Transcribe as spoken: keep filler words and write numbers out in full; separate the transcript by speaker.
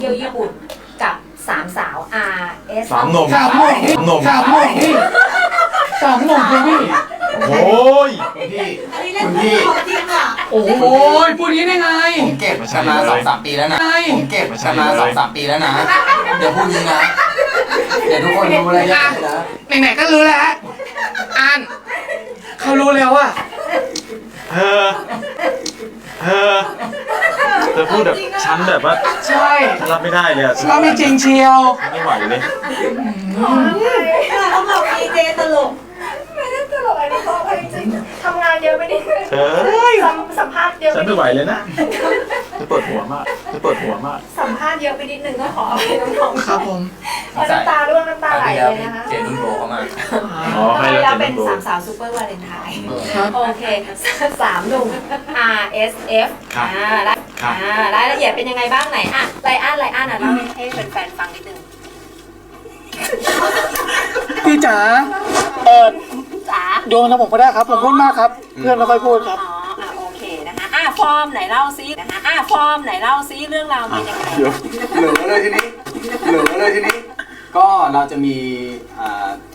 Speaker 1: เที่ยวญี่ปุ่นกับสามสาว R S
Speaker 2: สามหนุ่ม
Speaker 3: สามหนุ่ม
Speaker 2: หนุ่ม
Speaker 3: สามหนุ่มพี่สามหนุ่มคุณพี่
Speaker 2: โอ้ย
Speaker 3: พี่
Speaker 4: คุณพี่
Speaker 3: โอ้โหพูดนี้ได้ไง
Speaker 4: ผมเก็บกันมาสองสามปีแล้วนะ ผมเก็บกันมาสองสามปีแล้วนะ เดี๋ยวพูดนี้นะ เดี๋ยวทุกคนรู้อะไรเยอะเลยนะ
Speaker 3: ไหนๆก็รู้แล้วอ่านเขารู้แล้วอะ
Speaker 2: เธอเธอเธอพูดแบบฉันแบบว่า
Speaker 3: ใช่
Speaker 2: ฉันรับไม่ได้เลยอะ
Speaker 3: เราไม่จริงเชียว
Speaker 2: ไม่ไหวเลย
Speaker 1: เขาบอกดีเจตลกไม่ได้ตลกอะไรเขาจริงทำงานเยอะไม่ได้
Speaker 2: เธอ
Speaker 1: สัมภาษณ์เยอะ
Speaker 2: ฉันไม่ไหวเลยนะเธอปวดหัวมากเธอปวดหัวมาก
Speaker 1: สัมภาษณ์เยอะไปนิดนึงก็ขออภัยน้องๆ
Speaker 3: ครับผม
Speaker 1: เพราะน้ำตาร่วงน้ำตาไหลเลยนะคะ
Speaker 4: เจนุ่นโบเข้ามา
Speaker 2: อ๋อให้แล้ว
Speaker 1: แล้ว
Speaker 2: เจ
Speaker 1: เป็น
Speaker 2: นโบ
Speaker 1: สามสาวซูเปอร์วาเลนไทน์
Speaker 3: ครับ
Speaker 1: โอเคสามหนุ่ม R S F
Speaker 2: ครับ
Speaker 1: อ่าได้
Speaker 2: ครับ
Speaker 1: อ่ารายละเอียดเป็นยังไงบ้างไหนอ่ะไลอ้อนไลอ้อนอ่ะเล่าให้แฟนๆฟังนิดนึง
Speaker 3: พี่จ๋าเออ
Speaker 1: จ๋า
Speaker 3: โยนแล้วผมก็ได้ครับ ผมพูดมากครับ เพื่อนไม่ค่อยพูดครับ
Speaker 1: อ๋ออ่ะโอเคนะคะอ่ะฟอร์มไหนเล่าซินะคะอ่ะฟอร์มไหนเล่าซิเรื่องราวเป็นยังไง
Speaker 4: เหลือเลยทีนี้ เหลือเลยทีนี้ ก็เราจะมีอ่า